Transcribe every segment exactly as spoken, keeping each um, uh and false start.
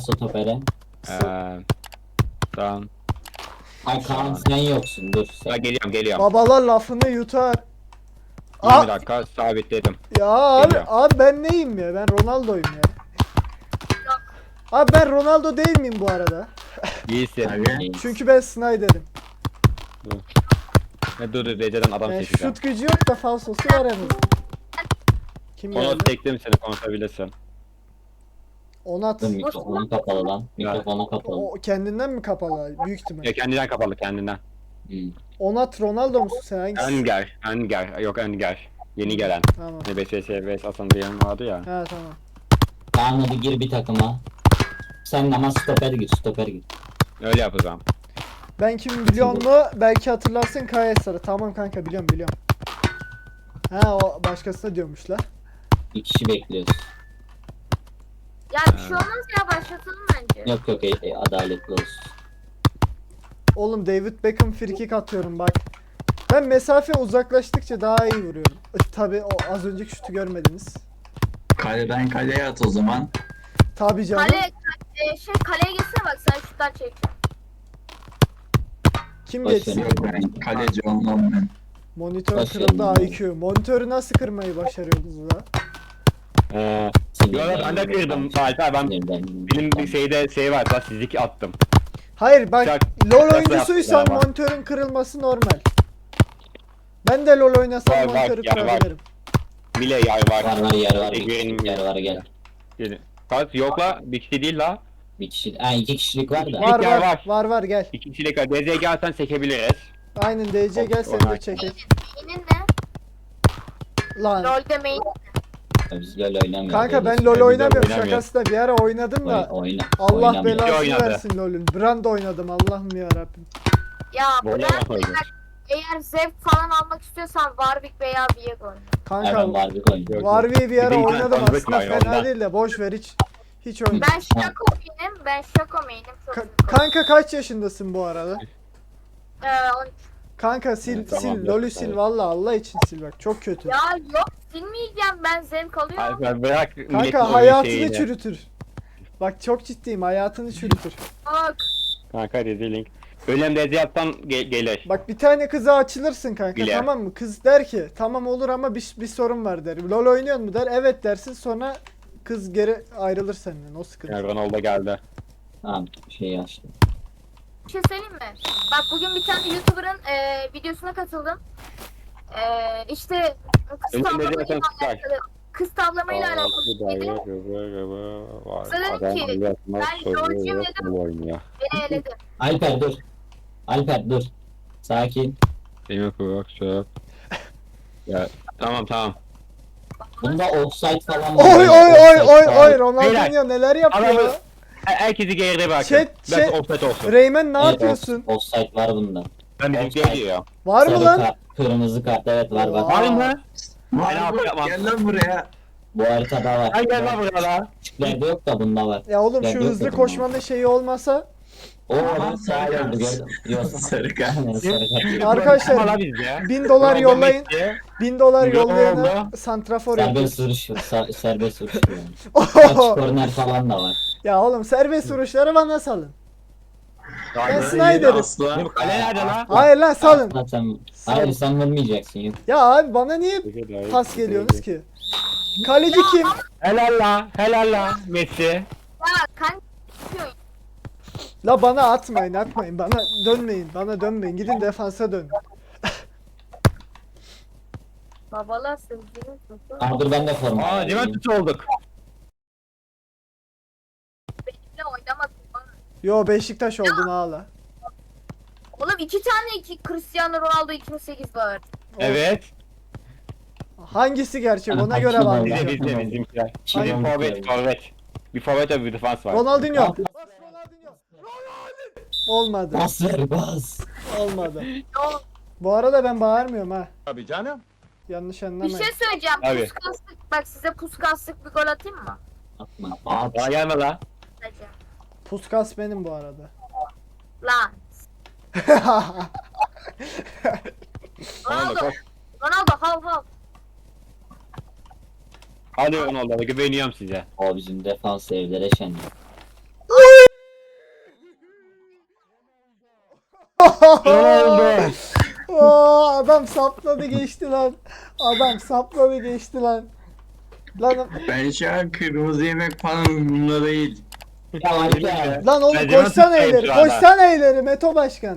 Stopere. Eee... Tamam. Ay Kaan sen yoksun dur Ha, sen. geliyorum geliyorum. Babalar lafını yutar. yirmi Aa, dakika sabitledim. ya abi, Geliyor. abi ben neyim ya? Ben Ronaldo'yum ya. Abi ben Ronaldo değil miyim bu arada? İyisin. Abi. Çünkü ben Snyder'im. Ne dur dur Recep'den adam Yani çekeceğim. şut gücü yok da falsosu var en azından. Kim Onu geldi? çektim seni konuşabilirsin. Onat. Dur mikrofonu kapalı lan. Mikrofonu kapalı. O kendinden mi kapalı? Büyük ihtimal. Ya kendinden kapalı kendinden. Hmm. Onat Ronaldo musun sen? Hangisi? Önger. Önger. Yok Önger. Yeni gelen. Tamam. Ne B S S B S Hasan diyen vardı ya. Ha tamam. Kaan hadi gir bir takıma. Sen ama stoper gir stoper gir. Öyle yapacağım. Ben kim biliyor mu? Belki hatırlarsın Kaya Sarı. Tamam kanka biliyorum biliyorum. Ha o başkasına diyormuş la. Bir kişi bekliyoruz. Ya bir şey olmaz ya, başlatalım bence. Yok yok e, e, adaletli olsun. Oğlum David Beckham frikik atıyorum bak. Ben mesafe uzaklaştıkça daha iyi vuruyorum. Tabi o az önceki şutu görmediniz. Kaleden kaleye at o zaman. Tabi canım. Kale, e, şey kaleye geçsene bak, sen şuttan çekeceğim. Kim Boş geçsin? ver. Yok ben kaleci olmam ben. Monitör Boş kırıldı verin. I Q. Monitörü nasıl kırmayı başarıyordunuz la? Eee... Sinirden- Yo ben de kırdım. Alper ben Sinirden- benim bir şeyde şey var. Daha sizlik attım. Hayır bak Şak- LoL şaka oyuncusuysan yaptın ama. monitörün kırılması normal. Ben de LoL oynasam Var, var, monitörü yer var. kırabilirim. Bile yay var. Var var yer var. Bir Ege'nin kişi yer var gel. Gelin. Kaç yok la. Bir kişi değil la. Bir kişi. Ha iki kişilik var da. Var yer var, var var. var gel. İki kişilik var. D Z gelsen çekebiliriz. Aynen D C gel seni de çekek. Main'in ne? Lan. LoL'de main. Biz LoL oynamıyoruz. Kanka ben öyle LoL Biz de oynamıyorum, oynamıyoruz. şakası da bir ara oynadım Oy- da. oyna. Allah oynamıyoruz. belasını oynadı. versin LoL'ün. Brand oynadım Allah'ım ya Rabbim. Ya Böyle bırak, oynadı. eğer, eğer zevk falan almak istiyorsan Warwick veya Viego oyna. Ha, ben Kanka Warwick oynuyorum. Warwick'i bir ara Bir de oynadım Warwick aslında var, fena ondan. değil de boş ver hiç. Hiç oynadım. Ben Shaco main'im, ben Shaco main'im. Çok Ka- iyi. kanka kaç yaşındasın bu arada? Ee, on- Kanka sil Evet, sil tamam, LoL'ü evet. sil valla Allah için sil bak çok kötü. ya yok, silmeyeceğim, ben zevk alıyorum. Alper bırak. milletin Kanka oyun hayatını şeyini. çürütür. Bak çok ciddiyim hayatını çürütür. Bak, Kanka rezilink. Ölüm D Z yaptan ge gelir. Bak bir tane kıza açılırsın kanka Bile. tamam mı? Kız der ki tamam olur ama bir, bir sorun var der. LoL oynuyor mu der. Evet dersin sonra kız geri ayrılır senden o sıkıntı. Yani Ronaldo geldi. Tamam şey açtım. bir şey söyleyeyim mi? Bak bugün bir tane YouTuber'ın e, videosuna katıldım. E, işte kız Ölüm D Z tavlamayla yaptan tutar. alakalı. Kız tavlamayla alakalı bir şey dedi. Dedim ki, ben LoL'cuyum dedim. oynuyor. Beni eledi. Alper dur. Alper dur. Sakin. Benim kulak şey. Ya tamam tamam. Bunda offside falan Oy oy oy oy oy Ronaldinho Beyler, neler yapıyor? adamı- Her- Herkesi geride bırakın. Chat, Belki chat. offset olsun. Reymen ne Evet, yapıyorsun? off- offside var bunda. Ben bizimkiye diyor. Var mı Sarı lan? kart, kırmızı kart evet var var. Aa. Var mı? Var Ben mı? yapamam. Gel lan buraya. Bu haritada var. Ay gel lan buraya lan. Küçüklerde yok da bunda var. Ya oğlum Ya şu yok hızlı dedim koşmanın şeyi olmasa Oo Aman lan sağ sarı oldu kart. gördüm. Yok. Sarı kart. Aynen, sarı kart. Arkadaşlar, Ama la bizde. bin dolar Ronaldo yollayın. Messi. bin dolar Ronaldo. yollayana santrafor Serbest yapıyoruz. vuruş, sa- serbest vuruş yani. Kaç korner falan da var. Ya oğlum serbest vuruşları bana salın. Ben Aynen. Snyder'im. Asla. Benim kale nerede lan? Hayır lan salın. Aslında sen, hayır sen vurmayacaksın yok. Ya abi bana niye pas geliyorsunuz ki? Kaleci kim? Helal la, helal la Messi. Ya kanka yapıyorsun. La bana atmayın atmayın bana dönmeyin bana dönmeyin gidin defansa dön. Babalar sevdiğiniz nasıl? Aa dur ben de forma Aa, alayım. Juventus olduk. Benimle oynamadın bana. Yo Beşiktaş oldun ağla. Oğlum iki tane iki Cristiano Ronaldo iki bin sekiz var. Evet. Hangisi gerçek ona Aha, göre kim bak. oldu? Bizde bizde bizimkiler. Kim Bir oldu? forvet, forvet. Bir forvet ve bir defans var. Ronaldinho. Olmadı. Bas ver bas. Olmadı. Yo, Bu arada ben bağırmıyorum ha. Tabii canım. Yanlış bir anlamayın. şey söyleyeceğim. Abi. Puskaslık, bak size puskaslık bir gol atayım mı? Atma. At. Daha gelme la. Sadece. Puskas benim bu arada. Lan. Ronaldo Ronaldo. koş. Ronaldo hav hav. Hadi Ronaldo'ya güveniyorum size. O bizim defans evlere şenlik. Ronaldo. Oo, adam sapladı geçti lan. Adam sapladı geçti lan. Lan, Ben şu an kırmızı yemek falan umurumda değil. Ya Alper. lan oğlum Bence koşsana nasıl ileri. şu anda? Koşsana ileri Meto Başkan.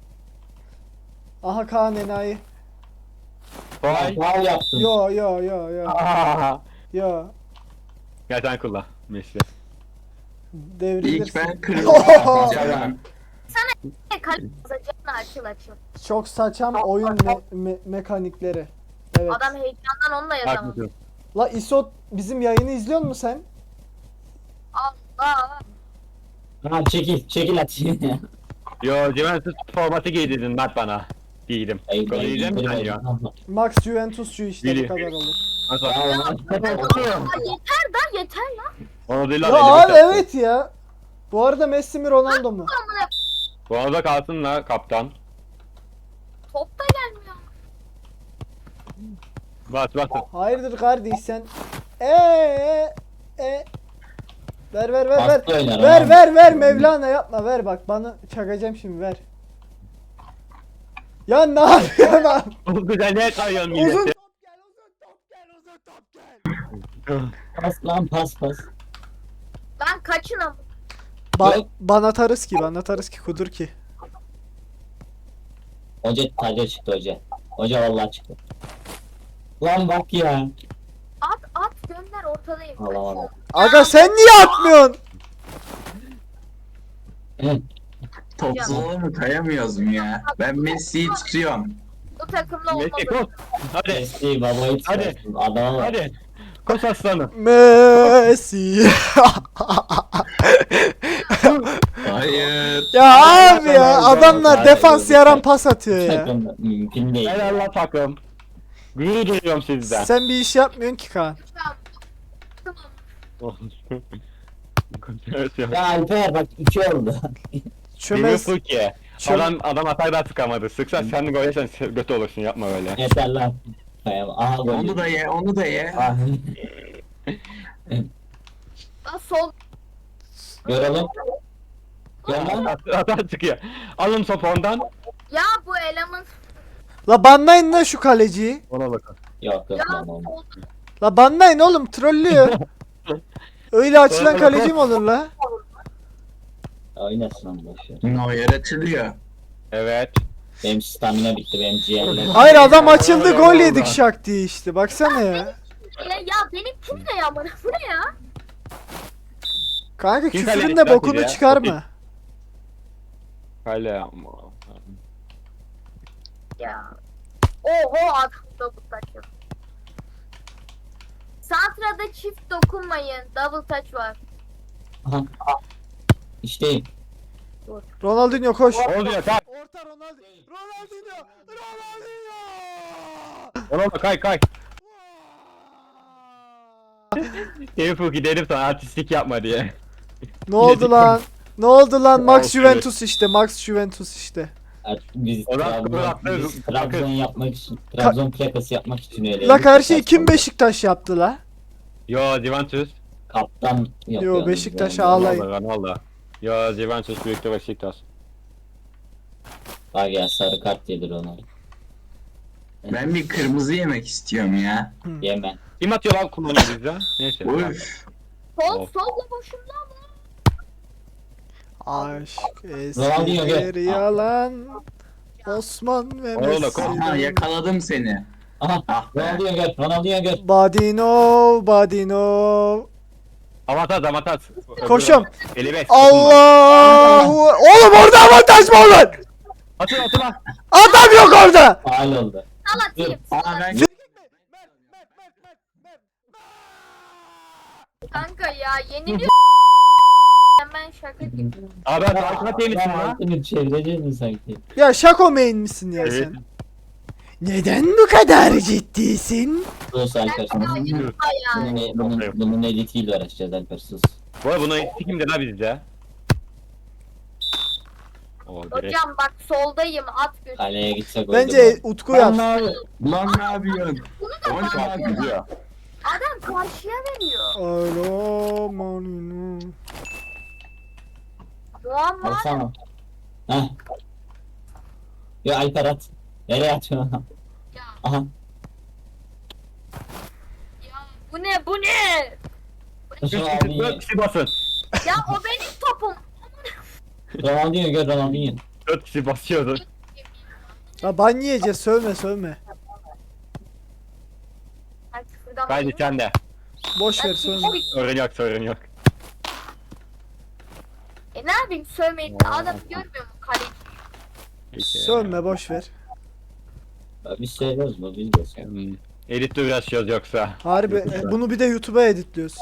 Aha Kaan enayi. Vay. Faul yaptın. Yo yo yo yo. Aa. Yo. Gel sen kullan. Messi. Devrilirsin. İlk ben kırmızı yapacağım. Kale bozacağını açıl açıl. Çok saçam oyun me- me- mekanikleri. Evet. Adam heyecandan onunla yazamam. Haklısın. La İsot bizim yayını izliyor musun sen? Allah. Ha çekil çekil atayım. Yo Juventus formatı giydirdin Mert bana. Giydim. Ay, Konu ay, yiyeceğim mi sen ay, ya? Max Juventus şu işte bu Bili. kadar olur. Nasıl? Ya, Ya yeter da yeter lan. Onu değil Ya lan. abi evet ya. Bu arada Messi mi Ronaldo mu? Amına Bu arada kalsın la kaptan. top da gelmiyor. Bas bas. Hayırdır kardeş sen? Eee e Ver ver ver ver. Hasta oynar Ver abi. ver ver Mevlana yapma ver bak bana çakacağım şimdi ver. Ya ne yapıyorsun lan? Bu güzel ne kayıyorsun Uzun millete? top gel uzun top gel uzun top gel. Pas lan pas pas. Ben kaçın ama. Ba- Yok. bana atarız ki bana atarız ki kudur ki. Hoca taca çıktı hoca. Hoca vallahi çıktı. Lan bak ya. At at gönder ortadayım. Allah Allah. Aga sen niye atmıyorsun? Hı. Topsuz mı kayamıyoruz mu ya? Ben Messi'yi tutuyorum. Bu takımla Messi koş. olmadı. Hadi. Messi babayı Hadi. çıkarsın. Adama bak. Hadi. Koş aslanım. Messi. Hayır. Ya abi ya adamlar Hayır, defans yok. yaran pas atıyor ya. Takımda mümkün değil. Helal la takım. Gurur duyuyorum sizden. Sen bir iş yapmıyorsun ki Kaan. Tamam. Ya Alper bak iki oldu. Çömez. Çömez. ki. Çöm- Adam adam atar da sıkamadı. Sıksa sen de gol yersen götü olursun yapma öyle. Yeter lan. Kayam. Aha gol. Onu da ye, onu da ye. Ah. Lan sol. Görelim. Gör lan. Atar, atar çıkıyor. Alın topu ondan. Ya bu eleman. La banlayın lan şu kaleciyi. Ona bakın. Yok yok Ya lan olmaz. sol. La banlayın oğlum trollüyor. Öyle açılan kaleci mi olur la? Oynasın lan boş ver. Neuer açılıyor. Evet. Benim stamina bitti benim ciğerlerim. Hayır adam açıldı gol yedik şak diye işte baksana ya. Ya, ya benim kim ne ya bana? Bu ne ya? Kanka Kim küfürün kaleci de lan bokunu ya? çıkarma. Kale ama. Ya. Oho adam double touch yok. Santra'da çift dokunmayın. Double touch var. Aha. İşte Ronaldinho koş. Oldu ya tak. Orta Ronaldinho. Ronaldinho. Ronaldinho. Ona bak kay kay. Liverpool gidelim sana artistlik yapma diye. Ne oldu lan? Ne oldu lan? Max Olsun. Juventus işte. Max Juventus işte. artık biz O zaman Trabzon, Trabzon- biz Trabzon yapmak için, Trabzon plakası yapmak için öyle. La karşıyı kim Beşiktaş yaptı la? Yo Juventus. Kaptan yapıyor. Yo, Beşiktaş Yani. ağlayın. Ronaldo Ronaldo. Yo Juventus büyüktü Beşiktaş. Bak ya sarı kart yedir onu. Ben bir kırmızı yemek istiyorum ya. Yeme. Kim atıyor lan kullanıyor bizde? Neyse. Uf. Sol Of. solla boşumda mı? Aşk Ronaldinho gel. eskileri yalan. Osman ve Oğlum, Messi. Aha yakaladım seni. Aha. Ah be. Ronaldinho gör. Ronaldinho gör. Badinov, Badinov. Avantaj avantaj. Koşuyorum. elli beş. Allahu. Oğlum orada avantaj mı olur? Atın atın lan. Adam yok orada. Faal oldu. Sal atayım. Aa ben Kanka ya yeniliyor. Ben şaka gibi. Abi ben arkana temizsin lan. Altını çevireceğiz mi sanki? Ya şako main misin ya Evet. sen? Neden bu kadar ciddisin? Sus Alper. Ben daha yeni bayağı. Bunun, bunun, bunun editiyle uğraşacağız Alper sus. Bu arada bunu kimdi la bizde? O direkt. Hocam bak soldayım at götür. Kaleye gitsek oldu. Bence Utku yap. Lan ne yapıyorsun? Bunu da O ne bak. yapıyor? Adam karşıya veriyor. Alo manino. Muamma. Alsana. Heh. Yo Alper at. Nereye atıyorsun? Ya, Aha. ya bu ne bu ne? Ronaldinho. Dört kişi basın. Ya o benim topum. Ronaldinho gör Ronaldinho. Dört kişi basıyordu. Ya ban yiyeceğiz, sövme sövme. Ay, küfürden Haydi bayıldım. sen de. Boş ver sövme. Sorun yok sorun yok. E ne yapayım sövmeyip de adam görmüyor mu kaleyi? Peki. Sövme boş ver. Biz seviyoruz bu biz de seviyoruz. Hmm. Editle uğraşıyoruz yoksa. Harbi e, bunu bir de YouTube'a editliyoruz.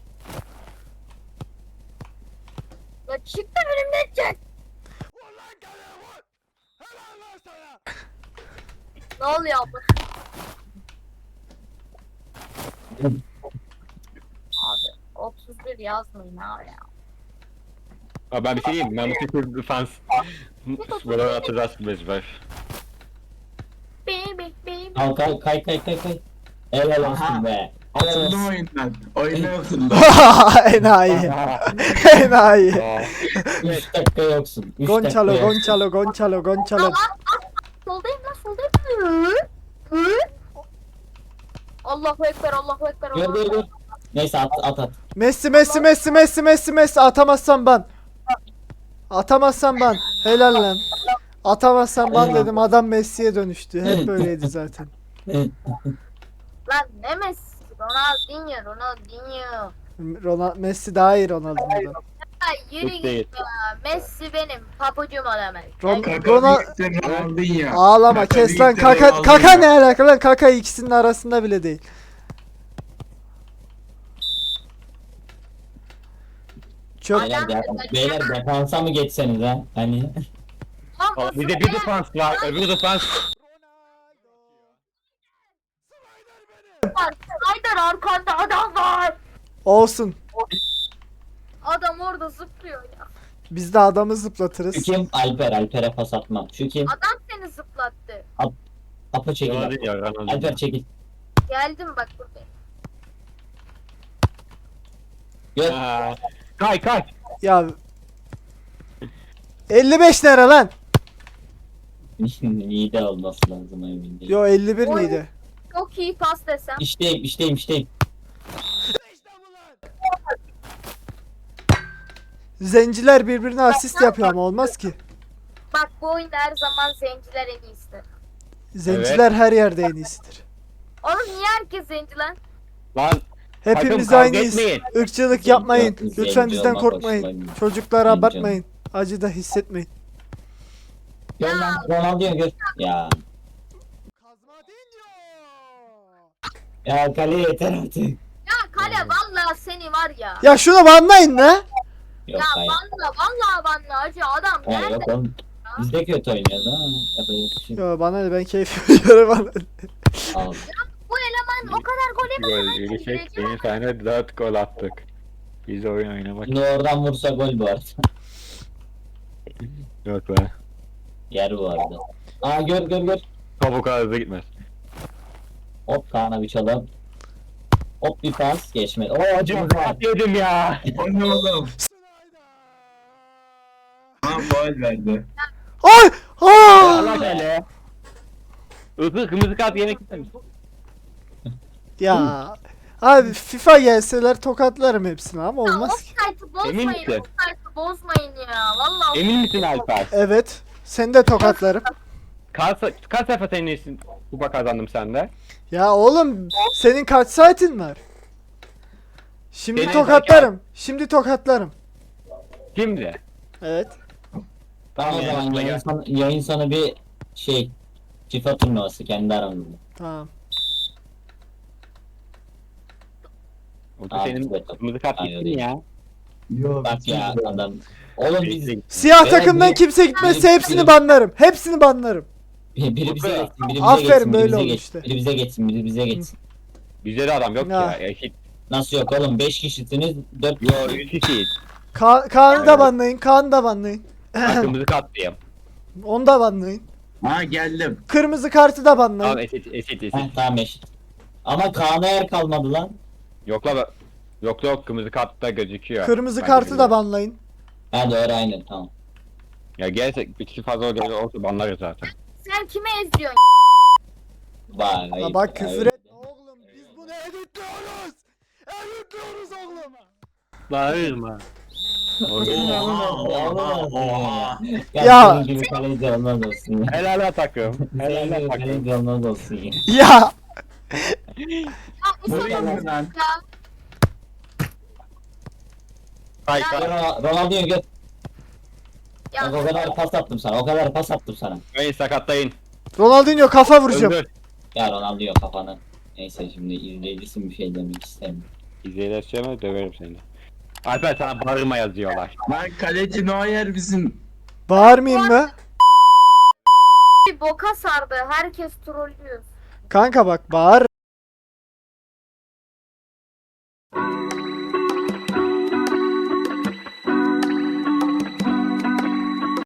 Ya çık da önümden çek. Ne oluyor abla? Abi otuz bir yazmayın ha ya. Ama ben bir şey diyeyim mi? Ben bu Secret Defense Buraları atacağız mecbur. Baby baby. Al kay kay kay kay kay. Helal olsun Aha. be. Helal Atıldım olsun. oyundan. Oyundan atıldım. Enayi. Enayi. Aa, üç dakika yoksun. üç Gonçalo, dakika Gonçalo, Gonçalo, Gonçalo. Soldayım lan soldayım. Hı? Hı? Allahu ekber Allahu ekber Gör Allahu gör ekber. gör. Neyse at at at. Messi, Messi, Messi, Messi, Messi, Messi. Atamazsan ban. Atamazsan ban. Helal lan. Atamazsan ban dedim, adam Messi'ye dönüştü. Hep böyleydi zaten. Lan ne Messi? Ronaldinho Ronaldinho. Ronald Messi daha iyi Ronaldo'dan. Ya yürü Hiç değil. git ya. Messi benim papucum o demek. Ron- Gel- Kaka Ronald- büyükse Ronaldinho. Ağlama Kaka kes lan, büyükse kaka Ronaldinho. kaka ne alaka lan, kaka ikisinin arasında bile değil. Çöp. Beyler, de- beyler defansa mı geçseniz ha? Hani Lan Aa, nasıl bir de bir defans var. Öbür defans. var? Haydar arkanda adam var. Olsun. Adam orada zıplıyor ya. Biz de adamı şu zıplatırız. kim? Alper. Alper'e pas atmam. Şu kim? Adam seni zıplattı. Apo çekil. Ronaldinho, Ronaldinho. Alper çekil. Geldim bak buradayım. Gör. Aa, Kay kay. Ya elli beş lira lan. İyi de olması lazım emin değilim. Yo elli bir miydi? Çok iyi pas desem. İşteyim işteyim işteyim. Zenciler birbirine asist yapıyor ama olmaz ki. Bak bu oyunda her zaman zenciler en iyisi. Zenciler her yerde en iyisidir. Oğlum niye herkes zenci lan? Lan Hepimiz kavga aynıyız. etmeyin. Irkçılık yapmayın. Zenci Lütfen bizden olmak korkmayın. hoşuma- Çocuklara Zenci abartmayın. Acı da hissetmeyin. Gör lan Ronaldinho gör. Ya. Ya kale yeter artık. Ya kale vallahi seni var ya. Ya şunu banlayın la. Yok ya hayır. valla vallahi valla acı adam Hayır nerede? yok oğlum. Biz de kötü oynuyoruz ama yapacak bir şey yok. Yo bana ne, ben keyfime göre bana ne. Al. Bu eleman o kadar gol Gol yemeden gelecek. Yeni sene dört gol attık. Biz oyun oynamak Şimdi oradan vursa gol bu arada. yok be. Yer bu arada. Aa gör gör gör. Top o kadar hızlı gitmez. Hop Kaan'a bir çalım. Hop bir pas geçmedi. Oo Acı acımız var. yedim ya. O ne oğlum? Ha faul verdi. Ay! Allah Aa! hele. Hızlı kırmızı kart yemek istemiş. Ya abi FIFA gelseler tokatlarım hepsini ama olmaz ki. Offside'ı Emin bozmayın, misin? offside'ı bozmayın ya. Vallahi Emin misin Alper? Evet. Seni de tokatlarım. Kaç, kaç sefer senin için kupa kazandım sende? Ya oğlum senin kaç saatin var? Şimdi Senin tokatlarım. Şimdi tokatlarım. Şimdi. Evet. Tamam o Yani zaman yanına yayın gel. sonu, yayın sonu bir şey FIFA turnuvası kendi aramızda. Tamam. O da Abi, senin evet. kırmızı kart Aynen gittin öyle. ya. Yok. Bak ya adam. Oğlum biz Bitti. Siyah Beyler, takımdan biri- kimse gitmezse biri- hepsini biri- banlarım. Hepsini banlarım. biri bize geçsin, biri bize Aferin, geçsin, biri böyle bize oldu geçsin, işte. biri bize geçsin, biri bize geçsin. Bizde de adam yok Ya. ya. Eşit. Nasıl yok oğlum? beş kişisiniz, dört Yo kişi. üç kişiyiz. Ka Kaan'ı da Evet. banlayın. Kaan'ı da banlayın. Ben kırmızı kart diyeyim. Onu da banlayın. Ha geldim. Kırmızı kartı da banlayın. Tamam eşit eşit eşit. Heh, tamam eşit. Ama Kaan'a yer kalmadı lan. Yok la be- Yok yok kırmızı kartta gözüküyor. Kırmızı Ben kartı da biliyorum. banlayın. Ha doğru aynen tamam. Ya gelse bir kişi fazla olacak olsa banlarız zaten. Sen kime ezdiyorsun? Vay. Ya bak küfür et. Oğlum biz bunu editliyoruz. Editliyoruz oğlum. Bağırma. Oha oha oha. Ya, Ya. senin gibi kaleci olmaz olsun ya. Helal lan takım. Helal Senin lan gibi takım. kaleci olmaz olsun ya. Ya. Ya Bu İso ne lan? ya. Hay Ya. hay. Ronald- Ronaldinho gör. Ya Bak o kadar pas attım sana. O kadar pas attım sana. Beni sakatlayın. Ronaldinho kafa vuracağım. Öldür. Ya Ronaldinho kafanı. Neyse şimdi izleyicisin bir şey demek istemiyorum. İzleyicilerime döverim seni. Alper sana bağırma yazıyorlar. Lan kaleci Neuer bizim. Bağırmayayım mı? bir boka sardı. Herkes trollüyor. Kanka bak bağır.